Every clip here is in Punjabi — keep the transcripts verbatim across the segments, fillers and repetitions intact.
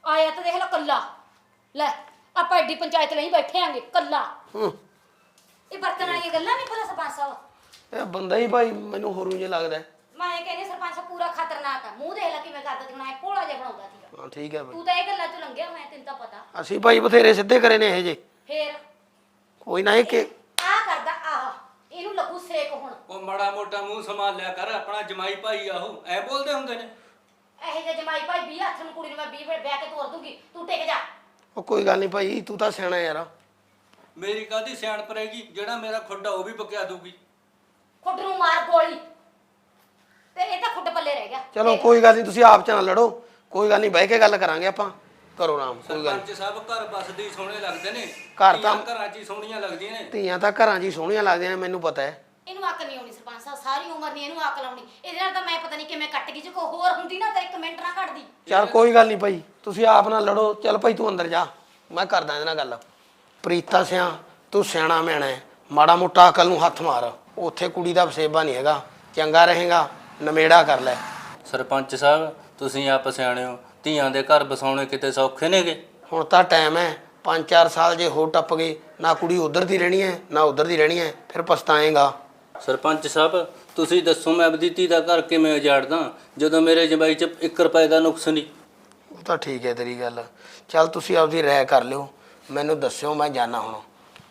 ਆਇਆ ਤਾਂ ਦੇਖ ਲੈ ਕੱਲਾ ਲੈ ਆਪਾਂ ਐਡੀ ਪੰਚਾਇਤ ਲਈ ਬੈਠੇ ਆਂਗੇ ਕੱਲਾ ਹੂੰ ਇਹ ਬਰਤਨ ਵਾਲੀਆਂ ਗੱਲਾਂ ਨਹੀਂ ਪਤਾ ਸਰਪੰਚ ਸਾਹਿਬ ਇਹ ਬੰਦਾ ਹੀ ਭਾਈ ਮੈਨੂੰ ਹੋਰੂ ਜਿਹਾ ਲੱਗਦਾ ਮੈਂ ਇਹ ਕਹਿੰਦੀ ਸਰਪੰਚ ਸਾਹਿਬ ਪੂਰਾ ਖਤਰਨਾਕ ਆ ਮੂੰਹ ਦੇਖ ਲੈ ਕਿਵੇਂ ਕਰਦਾ ਤੇ ਬਣਾਇਆ ਭੋਲਾ ਜਿਹਾ ਬਣਾਉਂਦਾ ਸੀਗਾ ਹਾਂ ਠੀਕ ਹੈ ਭਾਈ ਤੂੰ ਤਾਂ ਇਹ ਗੱਲਾਂ ਚ ਲੰਘਿਆ ਮੈਂ ਤੈਨੂੰ ਤਾਂ ਪਤਾ ਅਸੀਂ ਭਾਈ ਬਥੇਰੇ ਸਿੱਧੇ ਕਰੇ ਨੇ ਇਹ ਜੇ ਫੇਰ ਕੋਈ ਨਾ ਇਹ ਕਿ ਆ ਕਰਦਾ ਆਹ ਇਹਨੂੰ ਲੱਗੂ ਸੇਕ ਹੁਣ ਉਹ ਮਾੜਾ ਮੋਟਾ ਮੂੰਹ ਸੰਭਾਲ ਲਿਆ ਕਰ ਆਪਣਾ ਜਮਾਈ ਭਾਈ ਆਹੋ ਐ ਬੋਲਦੇ ਹੁੰਦੇ ਨੇ ਇਹੋ ਜਿਹੇ ਜਮਾਈ ਭਾਈ ਵੀਹ ਹੱਥ ਨੂੰ ਕੁੜੀ ਨੂੰ ਮੈਂ ਵੀਹ ਵੇ ਵਿਆਹ ਕੇ ਤੋਰ ਦੂੰਗੀ ਤੂੰ ਟਿਕ ਜਾ ਉਹ ਕੋਈ ਗੱਲ ਨਹੀਂ ਭਾਈ ਤੂੰ ਤਾਂ ਸਿਆਣਾ ਯਾਰ ਮੇਰੀ ਕਾਹਦੀ ਸਿਆਣਪ ਰਹੇਗੀ ਜਿਹੜਾ ਮੇਰਾ ਖੁੱਡਾ ਉਹ ਵੀ ਬਕਿਆ ਦੂਗੀ ਖੁੱਡ ਨੂੰ ਮਾਰ ਗੋਲੀ ਤੇ ਇਹ ਤਾਂ ਖੁੱਡ ਪੱਲੇ ਰਹਿ ਗਿਆ ਚਲੋ ਕੋਈ ਗੱਲ ਨਹੀਂ ਤੁਸੀਂ ਆਪ ਚ ਨਾ ਲੜੋ ਕੋਈ ਗੱਲ ਨਹੀਂ ਬਹਿ ਕੇ ਗੱਲ ਕਰਾਂਗੇ ਆਪਾਂ ਕਰੋ ਆਰਾਮ ਕੋਈ ਗੱਲ ਸਰਪੰਚ ਸਾਹਿਬ ਘਰ ਬਸਦੇ ਹੀ ਸੋਹਣੇ ਲੱਗਦੇ ਨੇ ਘਰ ਤਾਂ- ਧੀਆਂ ਘਰਾਂ 'ਚ ਹੀ ਸੋਹਣੀਆਂ ਲੱਗਦੀਆਂ ਨੇ ਧੀਆਂ ਤਾਂ ਘਰਾਂ 'ਚ ਹੀ ਸੋਹਣੀਆਂ ਲੱਗਦੀਆਂ ਨੇ ਮੈਨੂੰ ਪਤਾ ਹੈ ਇਹਨੂੰ ਅਕਲ ਨਹੀਂ ਆਉਣੀ ਸਰਪੰਚ ਸਾਹਿਬ ਸਾਰੀ ਉਮਰ ਨਹੀਂ ਇਹਨੂੰ ਅਕਲ ਆਉਣੀ ਇਹਦੇ ਨਾਲ ਤਾਂ ਮੈਂ ਪਤਾ ਨਹੀਂ ਕਿਵੇਂ ਕੱਟ ਗਈ ਜੇ ਕੋਈ ਹੋਰ ਹੁੰਦੀ ਨਾ ਤਾਂ ਇੱਕ ਮਿੰਟ ਨਾ ਕੱਟਦੀ ਚੱਲ ਕੋਈ ਗੱਲ ਨਹੀਂ ਭਾਈ ਤੁਸੀਂ ਆਪ ਨਾਲ ਲੜੋ ਚੱਲ ਭਾਈ ਤੂੰ ਅੰਦਰ ਜਾ ਮੈਂ ਕਰਦਾ ਇਹਦੇ ਨਾਲ ਗੱਲ ਪ੍ਰੀਤਾ ਸਿਆ ਤੂੰ ਸਿਆਣਾ ਮੈਣਾ ਹੈ ਮਾੜਾ ਮੋਟਾ ਅਕਲ ਨੂੰ ਹੱਥ ਮਾਰ ਉੱਥੇ ਕੁੜੀ ਦਾ ਵਸੇਬਾ ਨਹੀਂ ਹੈਗਾ ਚੰਗਾ ਰਹੇਗਾ ਨਮੇੜਾ ਕਰ ਲੈ ਸਰਪੰਚ ਸਾਹਿਬ ਤੁਸੀਂ ਆਪ ਸਿਆਣੇ ਹੋ ਧੀਆਂ ਦੇ ਘਰ ਬਸਾਉਣੇ ਕਿਤੇ ਸੌਖੇ ਨੇਗੇ ਹੁਣ ਤਾਂ ਟਾਈਮ ਹੈ ਪੰਜ ਚਾਰ ਸਾਲ ਜੇ ਹੋ ਟੱਪ ਗਏ ਨਾ ਕੁੜੀ ਉਧਰ ਦੀ ਰਹਿਣੀ ਹੈ ਨਾ ਉਧਰ ਦੀ ਰਹਿਣੀ ਹੈ ਫਿਰ ਪਛਤਾਏਗਾ ਸਰਪੰਚ ਸਾਹਿਬ ਤੁਸੀਂ ਦੱਸੋ ਮੈਂ ਆਪਣੀ ਧੀ ਦਾ ਘਰ ਕਿਵੇਂ ਉਜਾੜਦਾ ਜਦੋਂ ਮੇਰੇ ਜਮਾਈ 'ਚ ਇੱਕ ਰੁਪਏ ਦਾ ਨੁਕਸ ਨਹੀਂ ਉਹ ਤਾਂ ਠੀਕ ਹੈ ਤੇਰੀ ਗੱਲ ਚੱਲ ਤੁਸੀਂ ਆਪਦੀ ਰਾਏ ਕਰ ਲਿਓ ਮੈਨੂੰ ਦੱਸਿਓ ਮੈਂ ਜਾਣਾ ਹੁਣ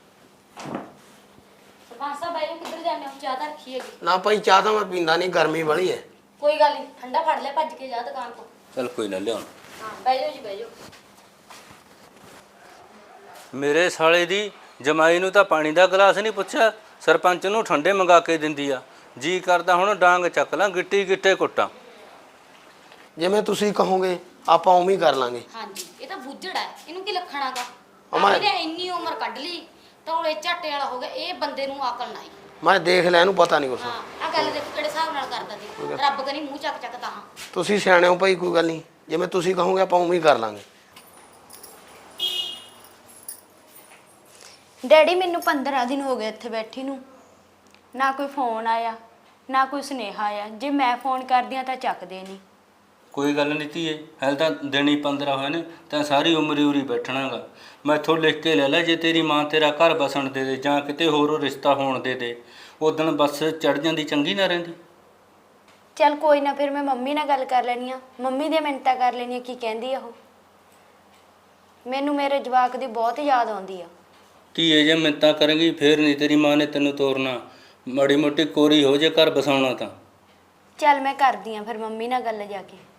ਸਰਪੰਚ ਸਾਹਿਬ ਬਾਈ ਨੂੰ ਕਿੱਧਰ ਜਾਂਦੇ ਹੋ ਚਾਹ ਤਾਂ ਰੱਖੀ ਹੈਗੀ ਨਾ ਭਾਈ ਚਾਹ ਤਾਂ ਮੈਂ ਪੀਂਦਾ ਨਹੀਂ ਗਰਮੀ ਬੜੀ ਹੈ ਕੋਈ ਗੱਲ ਨਹੀਂ ਠੰਡਾ ਫੜ ਲੈ ਭੱਜ ਕੇ ਜਾ ਦੁਕਾਨ ਤੋਂ ਚੱਲ ਕੋਈ ਨਾ ਲਿਆਉਣ ਹਾਂ ਬਹਿ ਜਾਓ ਜੀ ਬਹਿ ਜਾਓ ਮੇਰੇ ਸਾਲੇ ਦੀ ਜਮਾਈ ਨੂੰ ਤਾਂ ਪਾਣੀ ਦਾ ਗਲਾਸ ਨਹੀਂ ਪੁੱਛਿਆ ਸਰਪੰਚ ਨੂੰ ਠੰਡੇ ਮੰਗਾ ਕੇ ਦਿੰਦੀ ਆ ਜੀ ਕਰਦਾ ਹੁਣ ਡਾਂਗ ਚੱਕ ਲਾਂ ਗਿੱਟੀ ਗਿੱਟੇ ਕੁੱਟਾਂ ਜਿਵੇਂ ਤੁਸੀਂ ਕਹੋਗੇ ਆਪਾਂ ਉਵੇਂ ਹੀ ਕਰ ਲਾਂਗੇ ਹਾਂਜੀ ਇਹ ਤਾਂ ਬੁੱਝੜ ਹੈ ਇਹਨੂੰ ਕੀ ਲੱਖਣਾਗਾ ਅਮਾ- ਇਹਨੇ ਇੰਨੀ ਉਮਰ ਕੱਢ ਲਈ ਤੌਲੇ ਝਾਟੇ ਵਾਲਾ ਹੋ ਗਿਆ ਇਹ ਬੰਦੇ ਨੂੰ ਅਕਲ ਨਾ ਆਈ ਮੈਂ ਦੇਖ ਲਿਆ ਇਹਨੂੰ ਪਤਾ ਨਹੀਂ ਕੁਛ ਹਾਂ ਆ ਗੱਲ ਦੇਖੋ ਕਿਹੜੇ ਹਿਸਾਬ ਨਾਲ ਕਰਦਾ ਸੀ ਰੱਬ ਕਰੀ ਮੂੰਹ ਚੱਕ ਚੱਕ ਤਾਂ ਤੁਸੀਂ ਸਿਆਣੇ ਹੋ ਭਾਈ ਕੋਈ ਗੱਲ ਨਹੀਂ ਜਿਵੇਂ ਤੁਸੀਂ ਕਹੋਗੇ ਆਪਾਂ ਉਵੇਂ ਹੀ ਕਰ ਲਾਂਗੇ ਡੈਡੀ ਮੈਨੂੰ ਪੰਦਰਾਂ ਦਿਨ ਹੋ ਗਏ ਇੱਥੇ ਬੈਠੀ ਨੂੰ ਨਾ ਕੋਈ ਫੋਨ ਆਇਆ ਨਾ ਕੋਈ ਸੁਨੇਹਾ ਆਇਆ ਜੇ ਮੈਂ ਫੋਨ ਕਰਦੀ ਆ ਤਾਂ ਚੱਕਦੇ ਨਹੀਂ ਕੋਈ ਗੱਲ ਨਹੀਂ ਧੀਏ ਹਾਲੇ ਤਾਂ ਦਿਨ ਹੀ ਪੰਦਰਾਂ ਹੋਏ ਨੇ ਤਾਂ ਸਾਰੀ ਉਮਰ ਹੀ ਉਰੀ ਬੈਠਣਾਗਾ ਮੈਂ ਇੱਥੋਂ ਲਿਖ ਕੇ ਲੈ ਲੈ ਜੇ ਤੇਰੀ ਮਾਂ ਤੇਰਾ ਘਰ ਬਸਣ ਦੇ ਦੇ ਜਾਂ ਕਿਤੇ ਹੋਰ ਰਿਸ਼ਤਾ ਹੋਣ ਦੇ ਦੇ ਉਦਣ ਬੱਸ ਚੜ ਜਾਂਦੀ ਚੰਗੀ ਨਾ ਰਹਿੰਦੀ ਚੱਲ ਕੋਈ ਨਾ ਫਿਰ ਮੈਂ ਮੰਮੀ ਨਾਲ ਗੱਲ ਕਰ ਲੈਣੀ ਆ ਮੰਮੀ ਦੀਆਂ ਮਿੰਨਤਾਂ ਕਰ ਲੈਣੀ ਕੀ ਕਹਿੰਦੀ ਆ ਉਹ ਮੈਨੂੰ ਮੇਰੇ ਜਵਾਕ ਦੀ ਬਹੁਤ ਯਾਦ ਆਉਂਦੀ ਆ ਧੀਏ ਜੇ ਮਿੰਤਾਂ ਕਰੇਂਗੀ ਫੇਰ ਨਹੀਂ ਤੇਰੀ ਮਾਂ ਨੇ ਤੈਨੂੰ ਤੋਰਨਾ ਮਾੜੀ ਮੋਟੀ ਕੋਰੀ ਹੋ ਜੇ ਘਰ ਬਸਾਉਣਾ ਤਾਂ ਚੱਲ ਮੈਂ ਕਰਦੀ ਆ ਫਿਰ ਮੰਮੀ ਨਾਲ ਗੱਲ ਜਾ ਕੇ